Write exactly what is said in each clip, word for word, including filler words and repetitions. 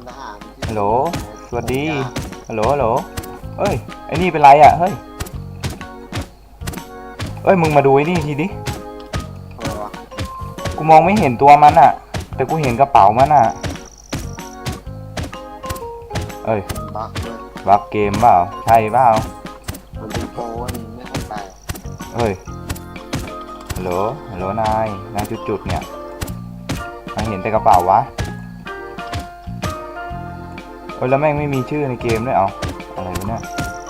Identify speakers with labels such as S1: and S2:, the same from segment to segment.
S1: ทหารที่
S2: ฮัลโหลสวัสดีฮัลโหลฮัลโหลเอ้ยไอ้นี่เป็นไรอ่ะเฮ้ยเอ้ยมึงมาดูไอ้นี่ทีดิ
S1: อะไรวะ
S2: กูมองไม่เห็นตัวมันอ่ะแต่กูเห็นกระเป๋ามันอ่ะเอ้ย
S1: บักเลย
S2: บักเกมเปล่าใช่เปล่า
S1: มันเป็นโปรนี่ไม่เข้าใจ
S2: เฮ้ยฮัลโหลฮัลโหลนายนายจุดๆเนี่ยนายเห็นแต่กระเป๋าวะเอ้ยแล้วแม่งไม่มีชื่อในเกมด้วยเอาอะไรวะเนี่ย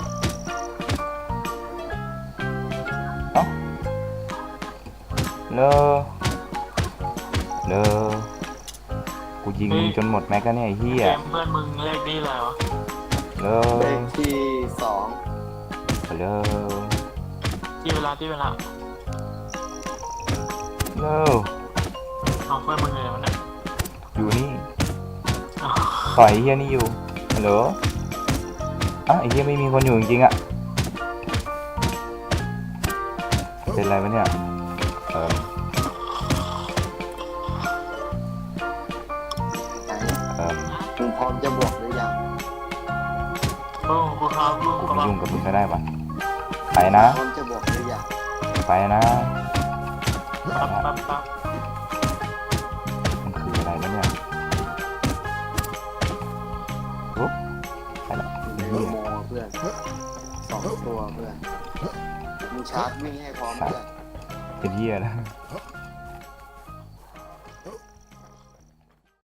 S2: เอ้าเลอเลอกูยิงมึงจนหมดแม็กแล้วเนี่ยไอ้เหี้ย
S3: เกมเพื่อนมึงเลขนี้อะไรวะ
S2: เล
S1: เล
S2: อ
S1: ขที่สอง
S2: เลอ
S3: ที่เวลาที่เวลา
S2: เลอ
S3: เอาเพื่อนมึงเลยมันเนี่ย
S2: อยู่นี่
S3: เอา
S2: ต่อยไอ้เหี้ยนี่อยู่ฮัลโหลอ่ะไอ้เหี้ยไม่มีคนอยู่จริงๆอ่ะเป็นไรวะเนี่ยเออ
S1: ไหน
S2: เออ
S1: มึงพร้อมจะบวกหรือยัง
S3: โอ้กูครับลูก
S2: กู
S3: กำ
S2: ไม่
S3: ลัง
S2: ยุ่งกับมึงก็ได้ปะไปนะ
S1: พร้อมจะบวกหรือยัง
S2: ไปนะ
S3: ปั๊บปั๊บปั๊บ
S2: มันคืออะไรวะเนี่ยปุ๊บไปละ
S1: ใน
S2: เหี้ย
S1: โมเพื่อนสองตัวเพื่อนมึงชาร์จวิ่งให้พร้อมเพื่อน
S2: เป็นเหี้ยนะ